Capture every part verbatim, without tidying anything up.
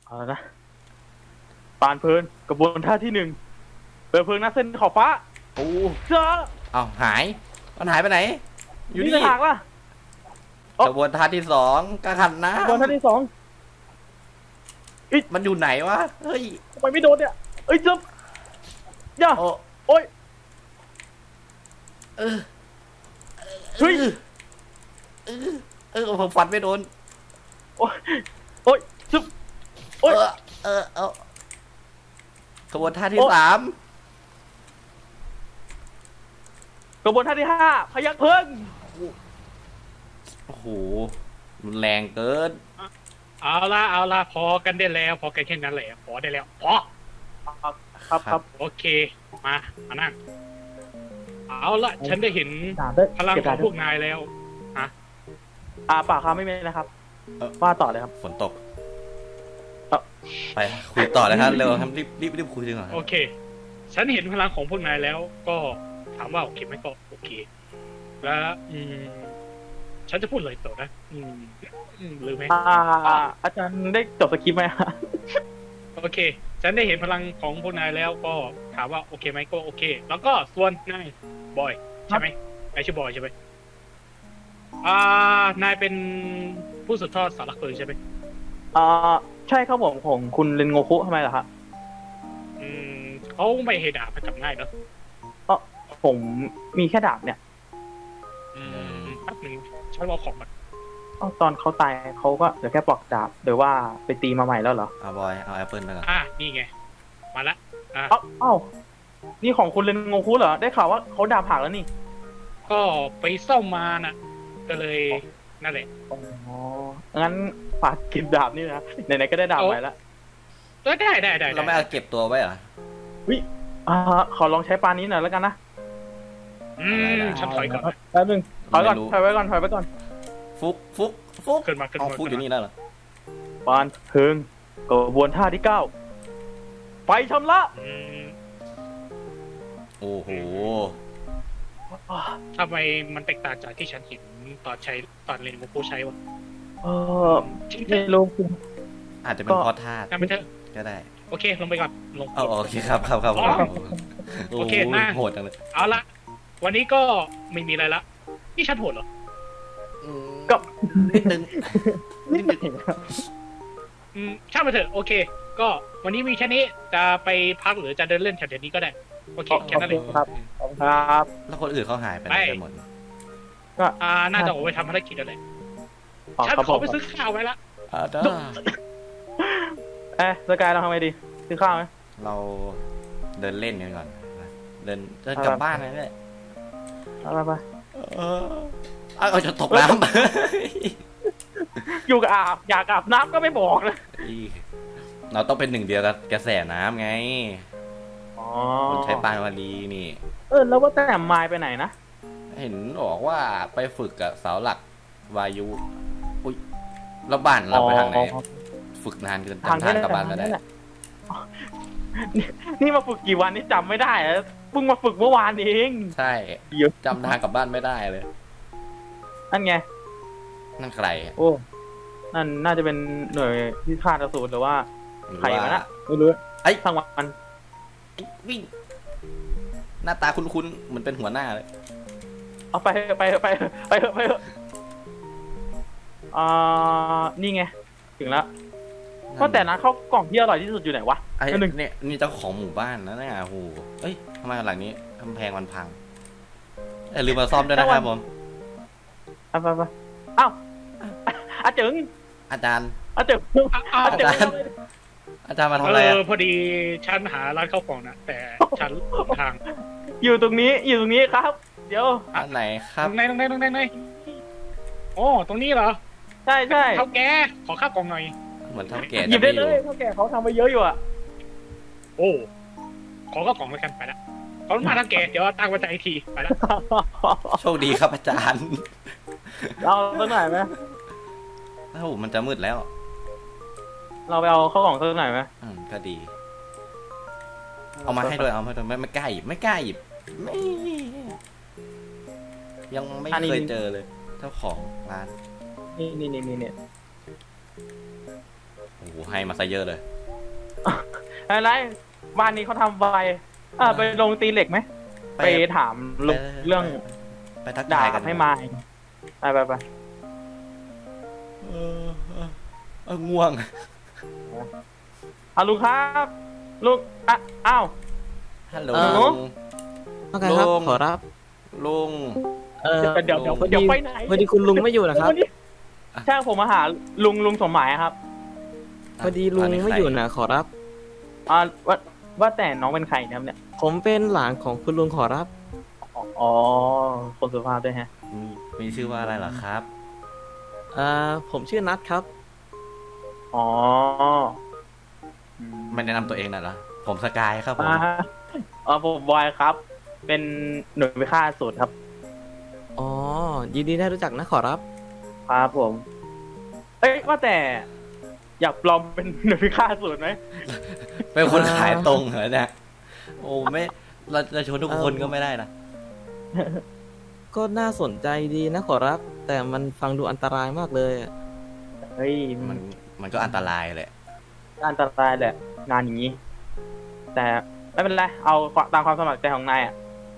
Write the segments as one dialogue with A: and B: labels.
A: เอาละนะปานเพลินกระบวนท่าที่หนึ่งเปิดเพลิงหน้าเส้นขอบฟ้าโอ้เจ้า
B: เอาหายมันหายไปไหนอยู่นี่
A: จะหักล่ะ
B: กระบวนท่าที่สองกระขันนะ
A: กระบวนท่าที่สอง
B: มันอยู่ไหนวะเฮ้ย
A: ทำไมไม่โดนเนี่ยเอ้ยจ๊บย่า
B: โอ้
A: โอ้ย
B: เออ
A: เฮ้ย
B: เออเออผมฟันไม่โดน
A: โอ้ยโอ้ยจ๊บโอ้ย
B: เออเออเอากระบวนท่าที่สาม
A: กระบวนท่าที่ห้าพยักเพลิง
B: โอ้โหรุนแรงเกิน
C: เอาละเอาละพอกันได้แล้ว พอกันแค่นั้นแหละพอได้แล้วพอ
A: ครับครับครับ
C: โอเคมามานั่งเอาละฉันได้เห็น
A: ด่าด้วย
C: พลัง
A: เก็บ
C: ขอ
A: ด่าง ด้
C: พ
A: ว
C: วย กนายแล้ว
A: อ่าปากครับไม่มีนะครับว่าต่อเลยครับ
B: ฝนตก
A: เอ้า
B: ไปคุยต่อเลยครับเร็วครับรีบรีบรีบคุยดีกว่า
C: โอเค ฉันเห็นพลังของพวกนายแล้ว ก็ถามว่าโอเคไหมก็โอเค แล้วอืมฉันจะพูดเลยต่อนะอืมอืมลืมไหม
A: อ่าอาจารย์ได้จบสคริปต์ไหม
C: โอเค ฉันได้เห็นพลังของพวกนายแล้ว ก็ถามว่าโอเคไหมก็โอเค แล้วก็ส่วนนายบอยใช่ไหมนายชื่อบอยใช่ไหมอ่านายเป็นผู้สืบทอดสารหลักเพลิงใช่ไหม
A: อ่าใช่ครับผมของคุณเรนโงคุทำไมล่ะครับ
C: อืมเขาไม่ให้ดาบให้จับง่ายเนอะ
A: ก็ผมมีแค่ดาบเนี่ย
C: อืมแป๊บหนึ่งฉันรอาของมัน
A: อ้าวตอนเขาตายเขาก็เหลือแค่ปลอกดาบหรือว่าไปตีมาใหม่แล้วเหรอ
B: เอาบอยเอาแอปเปิลไปก่อน
C: อ่ะนี่ไง มาละอ่ะ
A: เอ้าเอ้านี่ของคุณเรนโงคุเหรอได้ข่าวว่าเขาดาบหักแล้วนี่
C: ก็ไปซ่อมมาน่ะ ก็เลยนั่นแหละ
A: อ๋องั้นฝากเก็บดาบนี่นะไหนๆก็ได้ดาบใหม่แล้ว
C: เออได้ได้ได้
B: เราไม่เอาเก็บตัวไว้เหรอ
A: อ่าขอลองใช้ปานนี้หน่อยแล้วกันนะ
C: อืมฉันถอยก่อน
A: แป๊บนึงถอยก่อน
B: ไม่รู้
A: ถอยไว้ก่อนถอยไว้ก่อน
B: ฟุกฟุกฟุก
C: ขึ้นมาขึ้น
B: เอา
C: มา
B: ฟุกอยู่นี่แล้วเหรอ
A: ปานเพิงกระบวนท่าที่เก้าไฟชำระ
C: อืม
B: โอ้โห
C: ทำไมมันแตกต่างจากที่ฉันเห็นตอนใช้ตอนเรียนโมโกใช้วะ
A: เออ
C: จริง
A: ไม่รู้คุณ
B: อาจจะเป็น
A: ก็
B: เพราะธาตุ
C: ทำไปเถอะ
B: ก็ได้
C: โอเค ลงไปก่อนลง
B: เอาโอเคครับครับครับ
C: อ๋อ
B: โอ้
C: โอเค
B: โห
C: นะ
B: โหดจังเลย
C: เอาละวันนี้ก็ไม่มีอะไรละนี่ฉันโหดเหรอ
B: อืม
A: ก็
B: นิดนึง
A: นิดหนึ่ง
C: อืมช่างมาเถอะโอเค ก็วันนี้มีแค่นี้จะไปพักหรือจะเดินเล่นแถวๆนี้ก็ได้โอเคแค่นั้นเลย
A: ครับขอบคุณครับ
B: แล้วคนอื่นเขาหายไปไหน
C: ไป
B: กันหมด
A: ก็
C: อ่าน่าจะออกไปทำภารกิจอะไร
A: อ๋อ
C: ฉัน
A: ครับ
C: ข
A: ผ
C: อ
A: ม
C: ไปซื้อข้าวไว้ละ
B: อ่าจ้า
A: เอ๊ะสกายเราทำไงดีซื้อข้าวไหม
B: เราเดินเล่นกันก่อนนะเดินเดิน
A: เอา
B: กลับ
A: ละ
B: บ้านเลยเนี่ย
A: เอาไปไป
B: เออเอาเอาจะตกน้
A: อยู่กับอาบอยากอาบน้ำก็ไม่บอกเลย
B: ำอีเราต้องเป็นหนึ่งเดียวกับกระแสน้ำไง
A: อ๋อ
B: คนใช้ปานวารีนี่
A: เออแล้วว่าแต่ไมายไปไหนนะ
B: เห็นบอกว่าไปฝึกกับเสาหลักวายุอุ้ยแล้วบ้านเราไปทางไหน
A: อ๋อ
B: ฝึกนานเกิน
A: ทาง
B: จำทาง
A: นี้
B: กลับบ้านไม่ได้
A: แหละนี่นี่มาฝึกกี่วันนี่จำไม่ได้แล้วเพิ่งมาฝึกเมื่อวานเอง
B: ใช่
A: เยอะ
B: จำทางกลับบ้านไม่ได้เลย
A: นั่นไง
B: นั่นใครอะ
A: โอ้ นั่นน่าจะเป็นหน่วยที่ฆ่าอสูรหรือว่า
B: หรือ
A: ใคร
B: ว่า
A: วะนะไม่รู้
B: ไอ้ย
A: ทั้งวัน
B: ไอ้วิ่ง หน้าตาคุ้นๆเหมือนเป็นหัวหน้าเลย
A: เอาไปเถอะไปเถอะไปเถอะไปเถอะไปเถอะอ่านี่ไง ถึงแล้วก็แต่นะข้าวกล่องที่อร่อยที่สุดอยู่ไหนวะ
B: ไอ้
A: อันหนึ่ง
B: เนี่ยนี่เจ้าของหมู่บ้านนะเนี่ยโอ้โหเอ้ยทำไมหลังนี้กำแพงมันพังเอ้ยลืมมาซ่อมด้วยนะครับผม
A: ไปไปไปอ้าวอาเจิง
B: อาจารย์
A: อาเจิง
C: อ้าว
A: อาเจิง
B: อาจารย์ อาจารย์มาทำอะไร
C: เอ
B: อะ
C: อพอดีฉันหาร้านข้าวกล่องนะแต่ฉันหลงทาง
A: อยู่ตรงนี้อยู่ตรงนี้ครับ เดี๋ยว
B: อันไหนครับ
C: ตรงไหนตรงไหนตรงไหนตรงไหนโอ้ตรงนี้เหรอ
A: ใช่ใช่
C: เท่าแกขอข้าวกล่องหน่อย
B: เหมือนเท่าแก่
A: หยิ
B: จะ
A: บ
B: ไม่
A: ได้
B: อ
A: เล
B: ยู่
A: ยเท่าแก่เขาทำไปเยอะอยู่อะ
C: โอ้ ขอข้าวกล่องแล้วกันไปละขอบคุณมากเท่าแกเดี๋ยวตั้งไว้ใจอีกทีไปละ
B: โชคดีครับอาจารย์
A: เราสักหน่อยไหม
B: โอ้โหมันจะมืดแล้ว
A: เราไปเอาข้าวกล่องสักหน่อยไหม
B: อืมก็ดี เอามาให้ด้วยเอามาให้ด้วยไม่ไม่กล้าหยิบไม่กล้าหยิบไม่ยังไม่เคยเจอเลย เจ้าของร้าน
A: นี่นี่นี่นี่นี่
B: โอ้โหให้มาซะเยอะเลย
A: อะไรบ้านนี้เขาทำไวอ่าไปลงตีเหล็กไหมไปถามลุงเรื่อง
B: ไปทัก
A: ดา
B: ทาย
A: บ
B: กัน
A: ให้มาไปไปไป
B: เออเออเออง่วง
A: เอาลุงครับลุงอ่ะอ้าว
B: ฮัลโหล
A: เออ
B: ลุง
D: ว่าไงครับ
B: ลุง
D: ขอรับ
B: ลุง
D: เออ
A: เดี๋ยวเดี๋ยว
D: พอดี
A: เดี๋ยวไปไหน
D: พอดีคุณลุงไม่อยู่นะครับ
A: วันนี้ใช่ผมมาหาลุงลุงสมหมายครับ
D: พอดีลุงไม่อยู่นะขอรับ
A: อ่าว่าว่าแต่น้องเป็นใครนะครับเนี่ย
D: ผมเป็นหลานของคุณลุงขอรับ
A: อ๋ออ๋อคนสุภาพด้วยฮะ
B: มีมีชื่อว่าอะไรเหรอครับ
D: เอ่อผมชื่อนัทครับ
A: อ๋ออืม
B: ไม่แนะนำตัวเองน่ะเหรอผมสกายครับผม
A: อ่าอ๋อผมบอยครับ เป็นหน่วยพิฆาตสูตรครับ
D: อ๋อ ยินดีได้รู้จักนะขอรับ
A: ครับผม เอ้ยว่าแต่ อยากปลอมเป็นหน่วยพิฆาตสูตรไหม
B: เป็นคนขายตรงเหรอเนี่ยโอ้ไม่เราจะชวนทุกคนก็ไม่ได้นะ
D: ก็น่าสนใจดีนะขอรับ แต่มันฟังดูอันตรายมากเลยอะ
A: เฮ้ย
B: มั
A: มัน
B: นมันก็อันตรายแหละ
A: อันตรายแหละ งานอย่างนี้ แต่ไม่เป็นไร เอาตามความสมัครใจของนายอ่ะ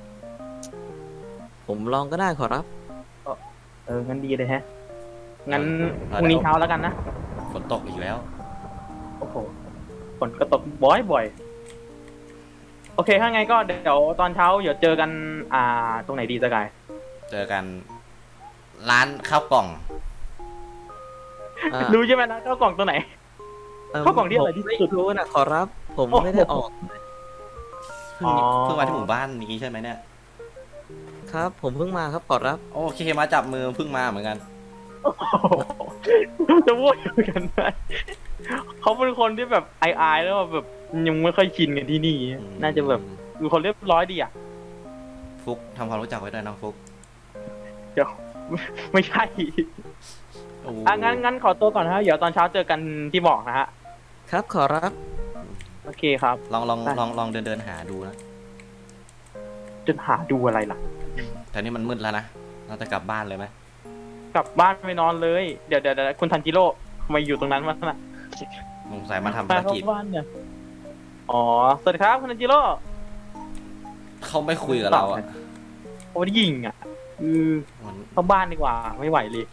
D: ผมลองก็ได้ขอรับ
A: เออ งั้นดีเลยฮะ งั้น
B: เอา
A: พรุ่งนี้
B: เอา
A: เช้าแล้วกันนะ
B: ฝนตกอีกแล้ว
A: โอ้โหฝนก็ตกบ่อยบ่อยๆโอเค ถ้าไงก็เดี๋ยวตอนเช้าเดี๋ยวเจอกัน อ่า ตรงไหนดีสกาย
B: เจอกันร้านข้าวกล่อง
D: อ่า
A: รู้ใช่ไหมนะข้าวกล่องตัวไหน
D: เอิ่ม
A: เข้ากล่องที่อร่อยที่สุด
D: ผมไม่รู้นะขอรับ ผม
A: โอ้โห
D: ไม่ได้ออก
B: เพิ่ง
A: อ๋อ
B: เพิ่งมาที่หมู่บ้านนี้ใช่ไหมเนี่ย
D: ครับ ผมเพิ่งมาครับขอรับ
B: โอเคมาจับมือเพิ่งมาเหมือนกัน
A: โอ้โหจะพูดกันไหมเขาเป็นคนที่แบบอายๆแล้วแบบยังไม่ค่อยชินกันที่นี่ น่าจะแบบเป็นคนเรียบร้อยดีอ่ะ
B: ฟุกทำความรู้จักไว้ด้วยน้องฟุก
A: เดี๋ยว ไม่ใช่
B: โอ้โห
A: อ่ะงั้นงั้นขอตัวก่อนนะฮะเดี๋ยวตอนเช้าเจอกันที่บอกนะฮะ
D: ครับขอรับ
A: โอเคครับ
B: ลองลอง
A: ได้
B: ลองลองเดินเดินหาดูนะ
A: จะหาดูอะไรล่ะ
B: แต่นี่มันมืดแล้วนะเราจะกลับบ้านเลยไหม
A: กลับบ้านไปนอนเลย เดี๋ยวเดี๋ยวเดี๋ยวคุณทันจิโร่ทำไมอยู่ตรงนั้นวะน่ะ
B: สงสัยมาทำ
A: ไป
B: ภาร
A: เข้า
B: กิจ
A: บ้านเนี่ย อ๋อ สวัสดีครับคุณทันจิโร่
B: เขาไม่คุยกับเราอ่ะ
A: โอ้ยยิงอ่ะอือ
B: มัน
A: เข้าบ้านดีกว่า ไม่ไหวเลย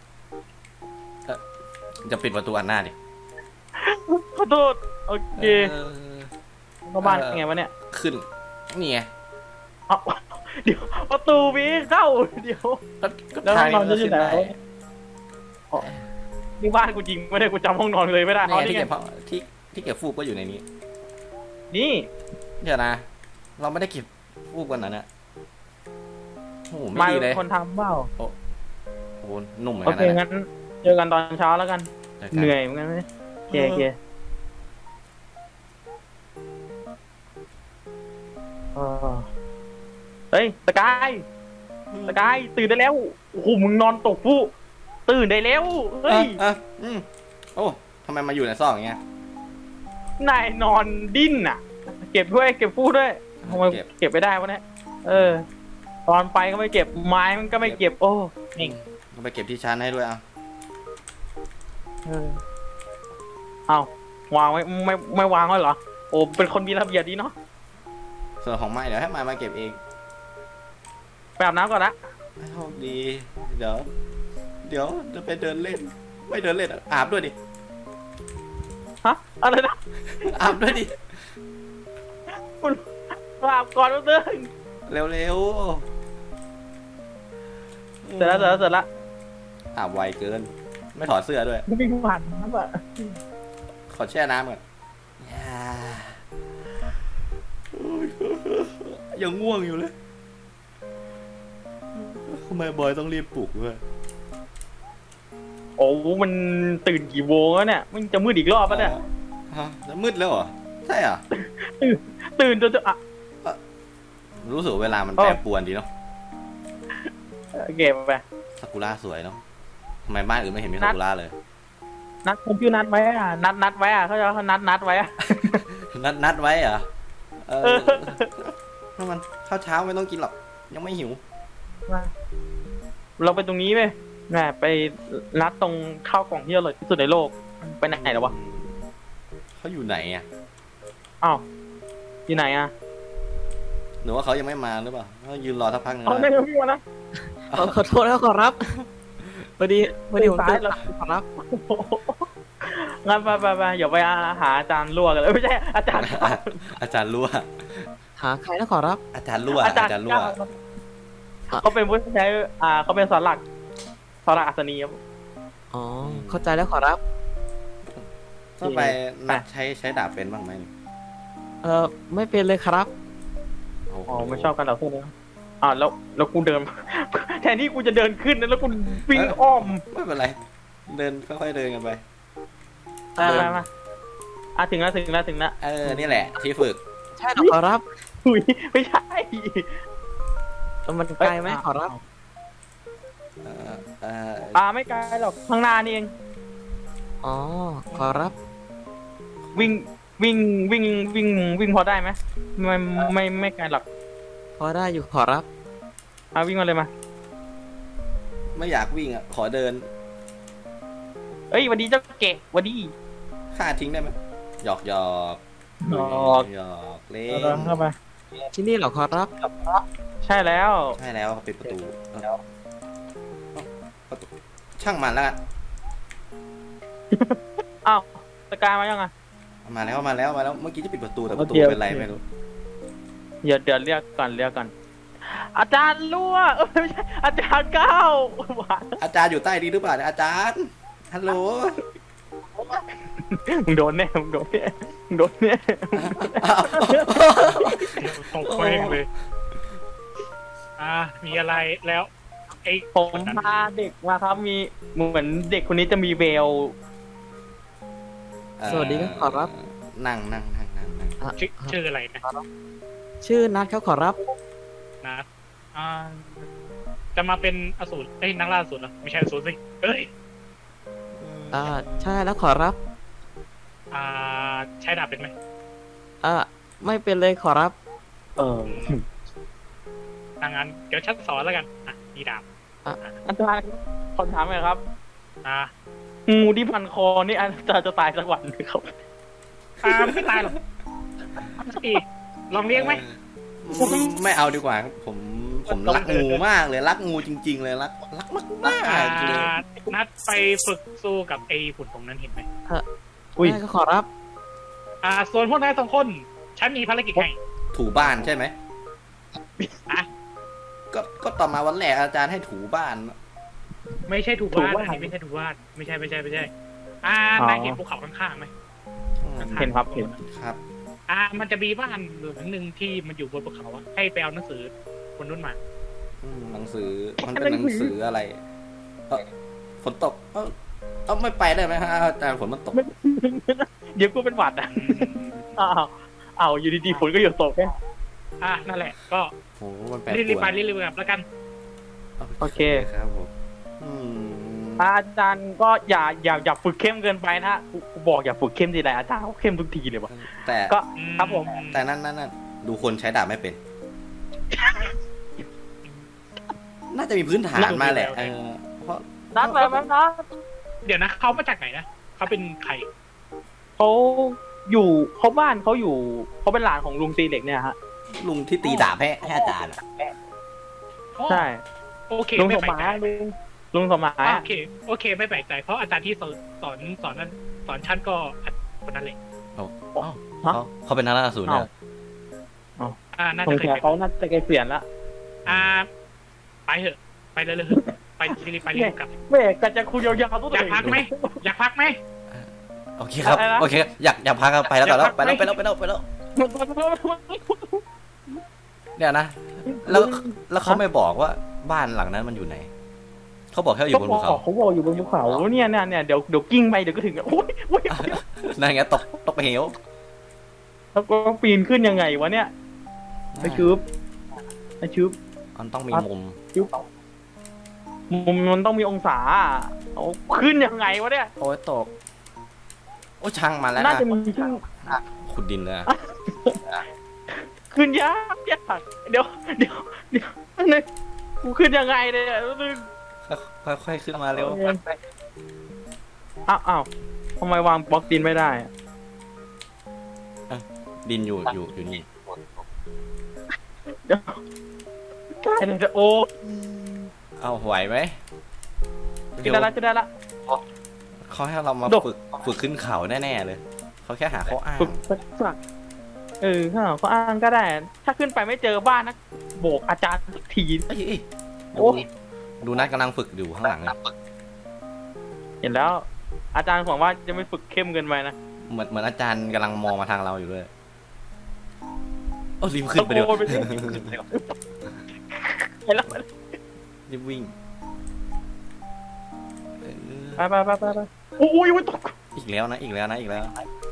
B: จะปิดประตูอันหน้าดิ
A: ขอโทษ โอเค
B: เออ
A: เข้าบ้าน
B: เออ
A: ยังไงวะเนี่ย
B: ขึ้นนี่ไง
A: เอ้าเดี๋ยวประตูมีเข้า เดี๋ยว
B: ก็ก็
A: แล้ว
B: ทาง
A: ห้องนอน
B: ก็
A: จะอยู่
B: ขึ้น
A: ไหน
B: ได้
A: อ๋อนี่บ้านกูจริงไม่ได้กูจำห้องนอนเลยไม่ได้
B: นี่
A: เอา
B: ไง
A: นี่
B: ที่
A: ไง
B: เก็บผ้าที่ที่เก็บฟูกก็อยู่ในนี้
A: นี่
B: เดี๋ยวนะ เราไม่ได้เก็บฟูกกันนะเนี่ยโอ้โห
A: มา
B: ไม่ดีเลย
A: คนทำเปล่า
B: โอ้โหหนุ่มเหมือน
A: โอ
B: กัน
A: เค
B: นะ
A: งั้น เจอกันตอนเช้าแล้วกัน
B: จกั
A: เหนื่อยเหมือนกันไหมโอเคโอเคเออเฮ้ยสกายสกายตื่นได้แล้วโอ้โหมึงนอนตกฟูกตื่นได้แล้วเฮ้ย
B: อ่ะอ่ะอืมโอ้ทำไมมาอยู่ในซอกอย่างเงี้ย
A: นายนอนดิ้นอ่ะ เก็บด้วยเก็บฟูกด้วยทำไม
B: เก็บ
A: เก็บไม่ได้วะเนี่ยเออ ตอนไปก็ไม่เก็บไม้มันก็ไม่เก็บโอ้นี่
B: ก็ไปเก็บที่ชั้นให้ด้วยอ่ะ
A: เออเอาวางไว้ไม่ไม่วางไว้เหรอโอ้เป็นคนมีระเบียบดีเนาะ
B: ส่วนของไม้เดี๋ยวให้ไม้มาเก็บเอง
A: ไปอาบน้ำก่อนนะ
B: โชคดี เดี๋ยว เดี๋ยวจะไปเดินเล่น ไม่เดินเล่นอะอาบด้วยดิ
A: ฮะอะไรนะ
B: อาบด้วยดิ
A: คุณอาบก่อนแป๊บนึง
B: เร็วๆ
A: เสร็จแล้วเสร็จแล้วเสร็จแล้ว
B: อาบไวเกิน ไม่ถอดเสื้อด้วย
A: ไม่มีผ่านน้ำอ่ะ
B: ขอแช่น้ำก่อนอย่าโอ้ยยังง่วงอยู่เลยทำไมบอยต้องรีบปลุกด้วย
A: โอ้มันตื่นกี่โมงแล้วเนี่ยมันจะมืดอีกรอบปะเนี่ย
B: ฮะจะมืดแล้วเหรอ ใช่เหรอ
A: ตื่นจนจะอ่ะ
B: รู้สึกเวลามัน
A: อ๋อ
B: แปรปรวนดีเนาะ
A: เก็บไป
B: ซากุระสวยเนาะทำไมบ้านอื่นไม่เห็นมี
A: นั
B: ซา
A: ด
B: กุระเลย
A: นัดคุณชื่อนัดไว้อ่ะนัดนัดไว้อ่ะเขาจะเขานัดนัดไว้อ่ะ
B: นัดนัดไว้เหรอเอ
A: เอ
B: อ
A: อ
B: ถ้ามันข้าวเช้าไม่ต้องกินหรอก ยังไม่หิว
A: เราไปตรงนี้ไหมแหมไปนัดตรงข้าวกล่องที่อร่อยที่สุดในโลกไปไหนแล้ววะ
B: เขาอยู่ไหนอ่ะ
A: อ้าวที่ไหนอ่ะ
B: หรือว่าเขายังไม่มาหรือเปล่าเขายืนรอสักพักหนึง
A: เอา
B: แล้ว
A: ได้พี่วะนะ
D: ขอขอโทษนะขอรับพอดีพอดีผม
A: ตาย
D: ตื่น
A: แล้ว
D: สายขอรับ
A: งั้นไปไปไปอย่าไปหาอาจารย์ลวกกันเลยไม่ใช่อาจารย์
B: อาจารย์รั่ว
D: หาใครนะขอรับ
B: อาจารย์รั่ว
A: อา
B: อา
A: จารย์
B: จารย์รั่ว
A: เขาเป็นผู้ใช้อ่าเขาเป็นสอนหลักสอนหลักอัศนีครับ
D: อ๋อเข้าใจแล้วขอรับ
B: ถ้าไปนัดใช้ใช้ดาบเป็นบ้างไหมนี่
D: เออไม่เป็นเลยครับ
B: โอ้โห
A: อ๋อไม่ชอบกันเหรอพวกนี้อ่าแล้วแล้วกูเดิน แทนที่กูจะเดินขึ้นนะแล้วกูวิ่งอ้อม
B: ไม่เป็นไร เดินค่อยๆเดินกันไป
A: มามามาอ่ะถึงแล้วถึงแล้วถึงแล้ว
B: เออ นี่แหละ ที่ฝึก
D: ใช่เหรอขอรับ
A: อุ้ยไม่ใช่
D: เออมันไกลไหมขอรับ
B: เออเออ
A: อ่าไม่ไกลหรอกข้างหน้านี่เอง
D: อ๋อขอรับ
A: วิ่งวิ่งวิ่งวิ่งวิ่งพอได้ไหมไม่ไม่ไม่ไกลหรอก
D: พอได้อยู่ขอรับ
A: อ่ะวิ่งมาเลยมา
B: ไม่อยากวิ่งอ่ะ ขอเดิน
A: เอ้ยหวันดีเจ้าเกะหวันดี
B: ฆ่าทิ้งได้ไหมหยอกหยอก
A: หยอก
B: หยอกเล่
A: เอา
B: น
A: เข้าไป
D: ที่นี่เหรอขอรับ
A: ใช่แล้ว
B: ใช่แล้วเขาปิดประตูเอ้าประตูช่างมันแล้วกัน
A: อ้าวสกายมายังอ่ะ
B: มาแล้วมาแล้วมาแล้ว เมื่อกี้จะปิดประตูแต่ประตู
A: โอเค
B: เป็นไร
A: โอเค
B: ไม่รู้
A: เดี๋ยวเดี๋ยวเรียกก่อนเรียกก่อนอาจารย์รั่วเอ้ยไม่ใช่อาจารย์ก้าวหวาน
B: อาจารย์อยู่ใต้นี้หรือเปล่าเนี่ยอาจารย์ ฮัลโหล
A: มึงโดนแน่มึงโดนแน่มึงโดนแน่
B: อ้าว
C: ตกเคว้งเลย อ่า มีอะไรแล้วไอ้
A: ผมพาเด็กมาครับมีเหมือนเด็กคนนี้จะมีเวล
D: สวัสดีครับขอรับ
B: นั่งนั่งนั่งนั่งนั่ง
D: อ่ะ
C: ชื่อชื่ออะไรนะ
D: ชื่อนัทครับขอรับ
C: นะอ่า จะมาเป็นอสูรเอ้ยนักล่าอสูรเหรอไม่ใช่อสูรสิเอ้ย
D: อ่าใช่แล้วขอรับ
C: อ่า ใช้ดาบเป็นไหม
D: อ่าไม่เป็นเลยขอรับ
A: เออ
C: ทางนั้นเดี๋ยวฉันสอนแล้วกัน อ่ะมีดาบ
A: อาจารย์ขอถามหน่อยครับ
C: อ่า
A: งูที่พันคอนี่อาจารย์จะตายสักวันไหมครับ
C: อ่าไม่ตายหรอกอีลองเลี้ยงไหม
B: เออไม่เอาดีกว่าครับผมผมรักงูมากเลยรักงูจริง ๆ เลยรักรักมากมาก
C: อ่า
B: ๆเลย
C: นัดไปฝึกสู้กับไอ้หุ่นตรงนั้นเห็นไหม
A: อุ้ย
D: ได้ก็ขอรับ
C: อ่า ส่วนพวกนายสองคน ฉันมีภารกิจให้
B: ถูบ้านใช่ไหม
C: อ่ะ
B: ก็ก็ต่อมาวันแรกอาจารย์ให้ถูบ้าน
C: ไม่ใช่ถูกวาดอันนี้ไม่ใช่ถูกวาดไม่ใช่ไม่ใช่ไม่ใช่ อ่านายเห็นภูเขาข้างๆไหม
A: เห็นครับเห็น
B: ครับ
C: อ่า มันจะมีบ้านหลังหนึ่งที่มันอยู่บนภูเขาอะให้ไปเอาหนังสือคนนู้นมา
B: อืมหนังสือมันเป็นหนังสืออะไรเออฝนตก เออเอาไม่ไปได้ไหมฮะอาจารย์ฝนมันตก
A: เดี๋ยวกูเป็นหวัดอ่ะอ้าวอ้าวอยู่ดีๆฝนก็หยุดตกแค่
C: อ่านั่นแหละ ก็
B: โหมันแปลก
C: รีบๆไปรีบๆกลับแล้วกัน
A: โอเค
B: ครับผมอืม
A: อาจารย์ก็อย่าอย่าอย่าฝึกเข้มเกินไปนะฮะกูกูบอกอย่าฝึกเข้มทีไรอาจารย์เขาเข้มทุกทีเลยวะ
B: แต่
A: ก็ครับผม
B: แต่นั่นนั่นนั่นดูคนใช้ดาบไม่เป็น น่าจะมีพื้นฐานมาแหละเออเพราะ
A: นัดไปไหมนัด
C: เดี๋ยวนะเขามาจากไหนนะเขาเป็นใคร
A: เขาอยู่เขาบ้านเขาอยู่เขาเป็นหลานของลุงตีเหล็กเนี่ยฮะ
B: ลุงที่ตีดาบให้ให้อาจารย์อะ
A: ใช่
C: โอเค
A: ลุง
C: ไม่
A: ส
C: แปล
A: มาก
C: ใจ
A: ยลุงลุงสมัย
C: อ่ะโอเคโอเค ไม่แปลกใจ เพราะอาจารย์ที่สอนสอนสอนนั้นสอนชั้นก็คนนั้นเลย
B: โอ้เขาเขาเป็นนักล่าอสูรเนี่ย
C: อ่าน่า
A: ส
C: จะ
A: ง
C: เคย
A: สัย
C: เป็น
A: เขาน่าจะเกษียณละ
C: อ่า ไปเถอะ ไปเลยเลยเถอะไปรีบไปรีบกลับ
A: เม่กะจะคุยยาวๆตัว
C: อยากพักไหมอยากพักไหม
B: โอเคครับ
A: อะไรนะ
B: โอเค อยากอยากพักครับไปแล้ว
C: อยาก
B: แล้ว
C: พัก
B: ไปแล้ว
C: ไหม
B: ไปแล้วไปแล้วไปแล้วเดี๋ยวนะ แล้วแล้วเขาไม่บอกว่าบ้านหลังนั้นมันอยู่ไหน เขาบอกแค่อยู่บนภูเขา
A: เขาบอกอยู่บนภูเขาเนี่ยเนี่ยเนี่ยเดี๋ยวเดี๋ยวกิ้งไปเดี๋ยวก็ถึงโอ้ยโอ้ย
B: นั่นไงตกตกเหว
A: แล้วก็ปีนขึ้นยังไงวะเนี่ยไปชืบไปชืบ
B: มันต้องมีมุม
A: ชืบมุมมันต้องมีองศาเอาขึ้นยังไงวะเนี่ย
B: โอ้ยตก โอ้ยช่างมาแล้ว
A: น่า
B: นะ
A: จะมีชื่อ
B: ขุดดินเลยอะ
A: ขึ้นยากยากเดี๋ยวเดี๋ยวเดี๋ยวนี่กูขึ้นยังไงเนี่ยนึง
B: ค่อยค่อยๆขึ้นมาเร็ว
A: อ้าวอ้าวทำไมวางบล็อกดินไม่ได้อะ
B: ดินอยู่อยู่อยู่นี่
A: เดี๋ยวได้เลยจะโอ้
B: เอาไหวไหม
A: กินได้ละกินได้ละ
B: เขาให้เรามา
A: ดก
B: ฝึกฝึกขึ้นเขาแน่ๆเลยเขาแค่หาข้ออ้าง
A: ฝึกฝึกฝึกเออข้างหลังก็อ้างก็ได้ ถ้าขึ้นไปไม่เจอบ้านนะโบกอาจารย์สักที
B: เอ้ยเอ้ย
A: โอ้
B: ดูดูนัดกำลังฝึกอยู่ข้างหลังเลย
A: เห็นแล้ว อาจารย์หวังว่าจะไม่ฝึกเข้มเกินไปนะ
B: เหมือนเหมือนอาจารย์กำลังมองมาทางเราอยู่ด้วยโอ้รีบขึ้นไปเดี๋ยว
A: ตะโกนไปสิ เห็นแล้ว
B: รีบวิ่งเออ
A: ไปไปไปไปไปโอ้ยโอ้ยตก
B: อีกแล้วนะอีกแล้วนะอีกแล้ว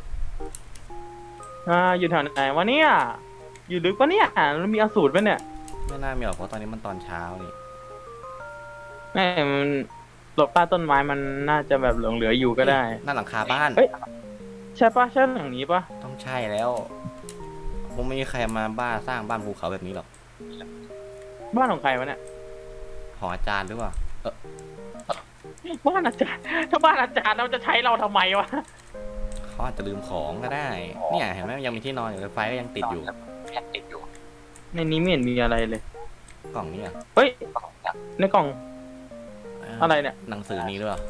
A: อ่าอยู่แถวไหนวะเนี่ยอยู่ลึกปะเนี่ยแล้วมีอสูรปะเนี่ย
B: ไม่น่ามีหรอกเพราะตอนนี้มันตอนเช้านี่
A: แม่มันหลบใต้ต้นไม้มันน่าจะแบบหลงเหลืออยู่ก็ได้
B: หน้าหลังคาบ้าน
A: เอ้ย ใช่ปะใช่หลังนี้ปะ
B: ต้องใช่แล้วคงไม่มีใครมาบ้าสร้างบ้านภูเขาแบบนี้หรอก
A: บ้านของใครวะเนี่ย
B: หออาจารย์หรือเปล่าเออ
A: บ้านอาจารย์ถ้าบ้านอาจารย์เราจะใช้เราทำไมวะ
B: เขาอาจจะลืมของก็ได้ เนี่ยเห็นไหมยังมีที่นอนอยู่เลยไฟก็ยังติดอยู่
A: ในนี้ไม่เห็นมีอะไรเลย
B: กล่องนี้อ่ะ
A: เฮ้ยในกล่องอะไรเนี่ย
B: หนังสือนี้หรือเปล่า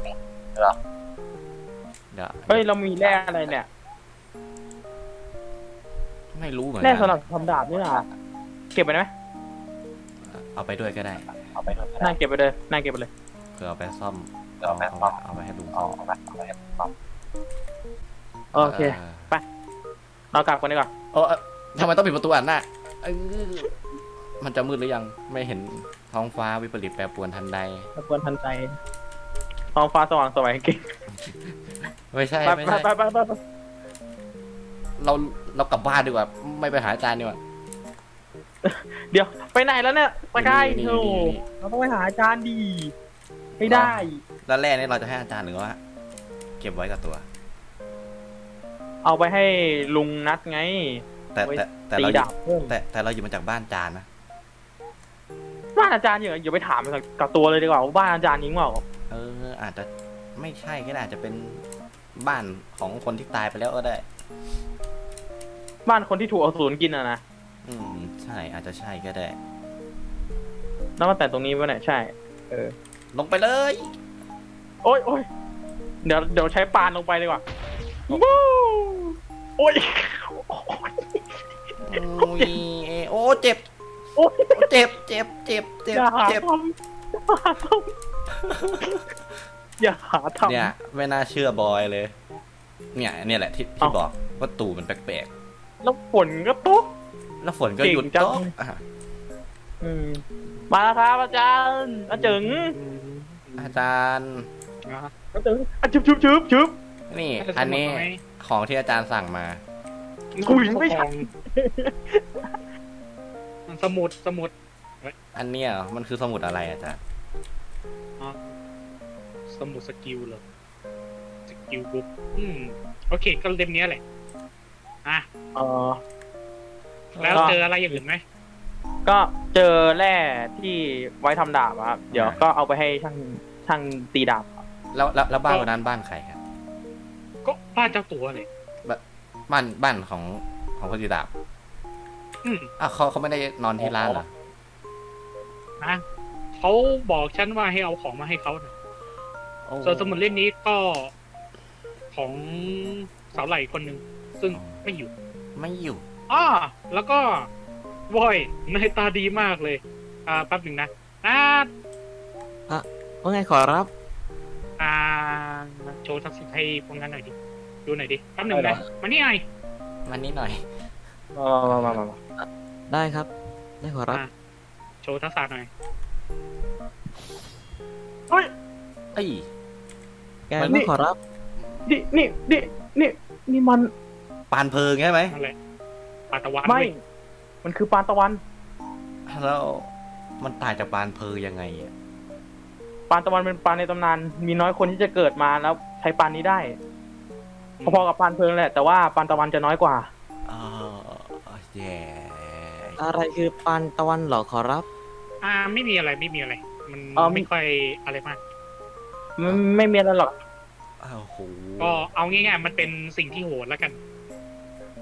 B: เดี๋ยว
A: เฮ้ยเรามีแร่อะไรเนี่ย
B: ไม่รู้เหมือน
A: แร่
B: กั
A: สำหรับทำดาบนี่นะเก็บไปได้ไหม
B: เอาไปด้วยก็ได้
A: น่าเก็บไปเลยน่าเก็บไปเลย
B: เผื่อเอาไปซ่อมเอาเอาเอาไปให้ลุงซ่อม
A: โอเค เรากลับกันดีกว่า
B: เออเออทำไมต้องปิดประตูอ่ะหน้าเอ้ยมันจะมืดหรือยังไม่เห็นท้องฟ้าวิปริตแปรปรวนทันใด
A: ตะกวนทันใจท้องฟ้าสว่างสวยเก่ง
B: ไม่ใช่
A: ไป
B: ไม่
A: ไป
B: ใช่
A: ไปไปไปไป
B: เราเรากลับบ้านดีกว่า ไม่ไปหาอาจารย์ดีกว่า
A: เดี๋ยวไปไหนแล้วเนี่ยสกาย
B: นี่
A: โธ่
B: นี่นี่
A: เราต้องไปหาอาจารย์ดีไม่ได้
B: แล้วแร่นี่เราจะให้อาจารย์หรือว่า เก็บไว้กับตัว
A: เอาไปให้ลุงนัดไง
B: แต่แต่แต่
A: ตี
B: เราหยิ
A: ดา
B: บบ
A: เพิ่ม
B: แต่แต่เราหยิบมาจากบ้านอาจารย์นะ
A: บ้านอาจารย์อยู่อย่าไปถามกับตัวเลยดีกว่าว่าบ้านอาจารย์ยิงเปล่า
B: เออ อาจจะไม่ใช่ก็ได้อาจจะเป็นบ้านของคนที่ตายไปแล้วก็ได้
A: บ้านคนที่ถูกอสูรกินอะนะ
B: อืมใช่อาจจะใช่ก็ได้
A: แล้วมาแต่ตรงนี้วะเนี่ยใช่ เออ
B: ลงไปเลย
A: โอ้ยโอ้ยเดี๋ยวเดี๋ยวใช้ปานลงไปดีกว่าวู้โอ้ย
B: โอ้ยโอ้เจ็บ
A: โอ้ย
B: เจ็บเจ็บเจ็บเจ็บ
A: อย่าหา
B: เจ็บ
A: ทำอย่าหาทำ
B: เนี่ยไม่น่าเชื่อบอยเลย เนี่ยเนี่ยแหละที่ที่
A: เอ้า
B: บอกว่าตู่มันแปลก
A: แล้วฝนก็ตก
B: ๆแล้วฝนก็หยุด
A: เก่งจัง
B: ตกอ่ะ
A: อืมมาแล้วครับอาจารย์อาจึง
B: อาจารย์
A: อาจึงอาชุบชุบชุบชุบ
B: นี่ อันนี้ของที่อาจารย์สั่งมา
A: คุยไม่ใช่
C: สมุดสมุด
B: อันเนี้ยมันคือสมุดอะไรอาจารย์
C: สมุดสกิลเหรอสกิลบุ๊กอืมโอเคก็เล่มเนี้ยแหละอ่ะ
A: เออ
C: แล้ว
A: ก็
C: เจออะไรอย่างอื่นไหม
A: ก็เจอแร่ที่ไว้ทำดาบอะครับ เดี๋ยวก็เอาไปให้ช่างช่างตีดาบครับ
B: แล้วแล้วแล้วบ้านวันนั้นบ้านใครครับ
C: ก็บ้านเจ้าตัวเลย
B: บ้านบ้านของของคนจีดาบ
C: อืม
B: อ้าวเขาเขาไม่ได้นอนที่ร้านเหรอ
C: นะเขาบอกฉันว่าให้เอาของมาให้เขานะ
B: โอ้
C: ส่วนสมุดเล่มนี้ก็ของสาวไหล่คนหนึ่งซึ่งไม่อยู่
B: ไม่อยู่
C: อ้าแล้วก็วอยนายตาดีมากเลย อ่าแป๊บหนึ่งนะอ่า
D: ว่าไงขอรับ
C: อ่าโชว์ทักษิณให้พวกนั้นหน่อยดิดูหน่อยดิแป๊บหนึ่งนะมานี่หน่อย
B: มันนิดหน่อย
A: มามามามา
D: ได้ครับ ได้ขอรับ
C: อ่าโชว์ทักษะหน่อย
A: เฮ้ย
B: เอ้ย
D: แก
B: มัน
D: ไม่ขอรับ
A: นี่นี่นี่นี่นี่มัน
B: ปานเพลิงใช่ไหม
C: นั่นแหละปาตะวัน
A: ไม่
C: เว้ย
A: มันคือปานตะวัน
B: แล้วมันตายจากปานเพลิงยังไงอ่ะ
A: ปานตะวันเป็นปานในตำนาน มีน้อยคนที่จะเกิดมาแล้วใช้ปานนี้ได้พอๆกับปานเพลิงแหละ แต่ว่าปานตะวันจะน้อยกว่า
B: เออแย่
D: อะไรคือปานตะวันเหรอขอรับ
C: อ่าไม่มีอะไรไม่มีอะไร มัน
A: อ๋อ
C: ไม่ค่อยอะไรมาก
A: ไม่ไม่มีอะไรหรอก
B: อ้าวโห
C: ก็เอาง่ายๆมันเป็นสิ่งที่โหดแล้วกัน
A: อ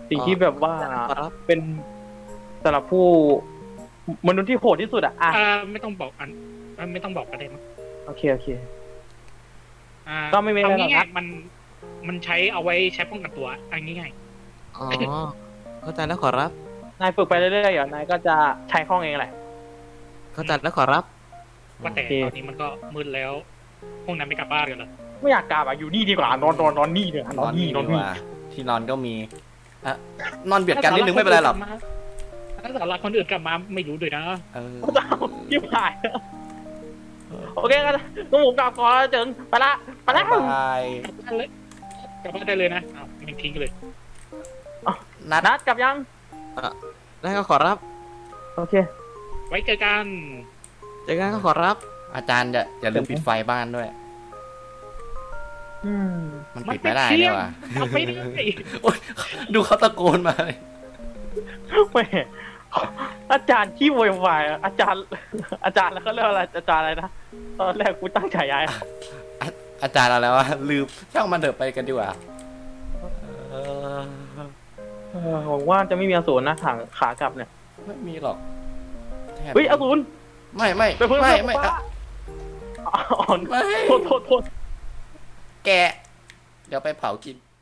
A: สิ่งที่แบบว่า
D: ขอรับ
A: เป็นสำหรับผู้มนุษย์ที่โหดที่สุดอะอ่ะ
C: อ่าไม่ต้องบอกอันอ่าไม่ต้องบอกก็ได้มั้ง
A: โอเคโอเค
C: อ่า
A: ก็ไม่มีอะไรหรอก
C: เา
A: ครั
C: ง่า
A: บ
C: ยๆมันมันใช้เอาไว้ใช้ป้องกันตัวอันง่าย
D: อ๋อ เข้าใจแล้วขอรับ
A: นายฝึกไปเรื่อยๆเดี๋ยวนายก็จะใช้คล่องเองแหละ
D: เข้าใจแล้วขอรับ
C: ๆว่าแต่
A: โอเค
C: ตอนนี้มันก็มืดแล้วพวกนั้นไม่กลับบ้านกันเหรอ
A: ไม่อยากกลับอะอยู่นี่ดีกว่านอนนอนนอนนี่เนี่ยนอนนี่นอน
B: ดี
A: นี่
B: กว่าที่นอนก็มีอ่ะนอนเบียดกันนิดนึงไม่เป็นไรหรอก
C: ถ้าสาระคนอื่นกลับมาไม่รู้ด้วยนะ
B: เออ
A: เจ้ายิ่งหายโอเคกันก็ผมกลับก่อนแล้วเจิงไปละไปละ
B: บ๊ายบาย
C: กลับบ้านเลยกลับบ้านได้เลยนะอ้าวยังทิ้งเลย
B: นัด
A: นัดกลับยัง
D: ได้ก็ขอรับ
A: โอเค
C: ไว้เจอกัน
D: เจอกันก็ขอรับ
B: อาจารย์อย่าอย่าลืมปิดไฟบ้านด้วย
A: อืม
B: มันปิดไม่ได้เนี่ยว่ะ
C: ทำไม่ได้
B: โอ๊ยดูเขาตะโกนมาเลย
A: แหม่อาจารย์ขี้โวยวายอะอาจารย์ อาจารย์แล้วก็เรียกอะไรอาจารย์อะไรนะตอนแรกกูตั้งฉายา
B: อ่ะอาจารย์อะไรวะลืมช่างมันเถอะไปกันดีกว่าเออ
A: เออหวังว่าจะไม่มีอสูรนะทางขากลับเนี่ย
B: ไม่มีหรอกแทบ
A: เฮ้ยอสูร
B: ไม่ไม่
A: ไปเพิ่ม
B: ไม่
A: เพิ่ม
B: ไม่
A: ฟ้า
B: อ่ะ
A: อ่อน
B: ไม่
A: โทษโทษโทษ
B: แกะเดี๋ยวไปเผากิน